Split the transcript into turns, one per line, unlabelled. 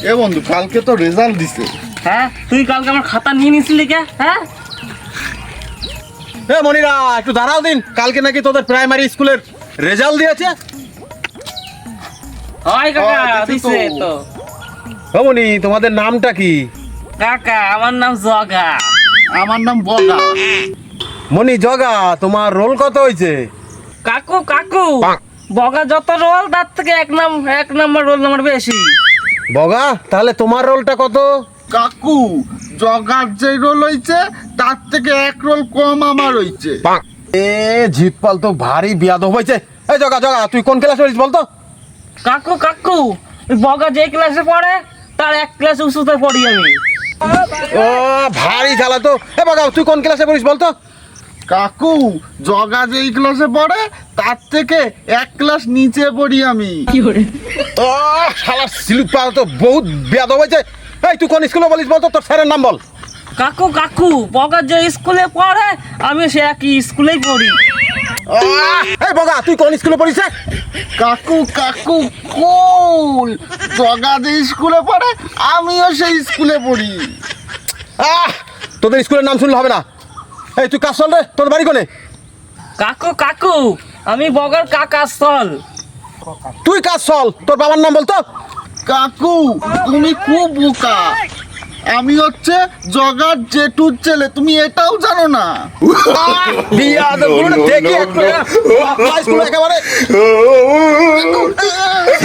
এ বন্ধু, কালকে তো রেজাল্ট দিছে।
হ্যাঁ, তুই কালকে আমার খাতা নিয়ে নিছিলি কে? হ্যাঁ
এ মনিরা, একটু দাঁড়াও দিন। কালকে নাকি তোদের প্রাইমারি স্কুলের রেজাল্ট দিয়েছে।
হয় কাকা, দিছে তো।
ও মনি, তোমাদের নামটা কি?
কাকা, আমার নাম জগা।
আমার নাম বগা।
মনি জগা, তোমার রোল কত হয়েছে?
কাকু কাকু, বগা যত রোল তার থেকে এক নাম্বার রোল নাম্বার বেশি।
বগা, তাহলে তোমার রোলটা কত?
কাকু, জগার যে রোল হইছে তার থেকে এক রোল কম আমার হইছে।
এ জিতপাল তো ভারী বিয়াদব হয়েছে। এই জগা জগা, তুই কোন ক্লাসে পড়িস বলতো?
কাকু কাকু, ওই বগা যে ক্লাসে পড়ে তার এক ক্লাস উঁচুতে পড়ি আমি।
ও ভারী জ্বালা তো। এ বগা, তুই কোন ক্লাসে পড়িস বলতো?
কাকু, জগা যেই ক্লাসে পড়ে তার থেকে এক ক্লাস নিচে পড়ি আমি।
ও শালা সিলুপাল তো বহুত বিয়াদব হয়েছে। এই তুই কোন স্কুলে বলিস বলতো? তোর স্যারের নাম বল।
কাকু কাকু, বগা যে স্কুলে পড়ে আমি সে একই স্কুলেই পড়ি।
এই বগা, তুই কোন স্কুলে পড়িস?
কাকু কাকু কুল, জগা যে স্কুলে পড়ে আমিও সেই স্কুলে পড়ি।
তোদের স্কুলের নাম শুনলে হবে না। এই তুই কাজ চল রে, তোর বাড়ি কোনে?
কাকু কাকু, আমি বগার কাকা চল।
তুই কাজ চল, তোর বাবার নাম বলতো?
কাকু, তুমি খুব বোকা। আমি হচ্ছে জগার জেঠুর ছেলে, তুমি এটাও জানো না?
বিয়াদব, দেখি একটু স্কুলে একেবারে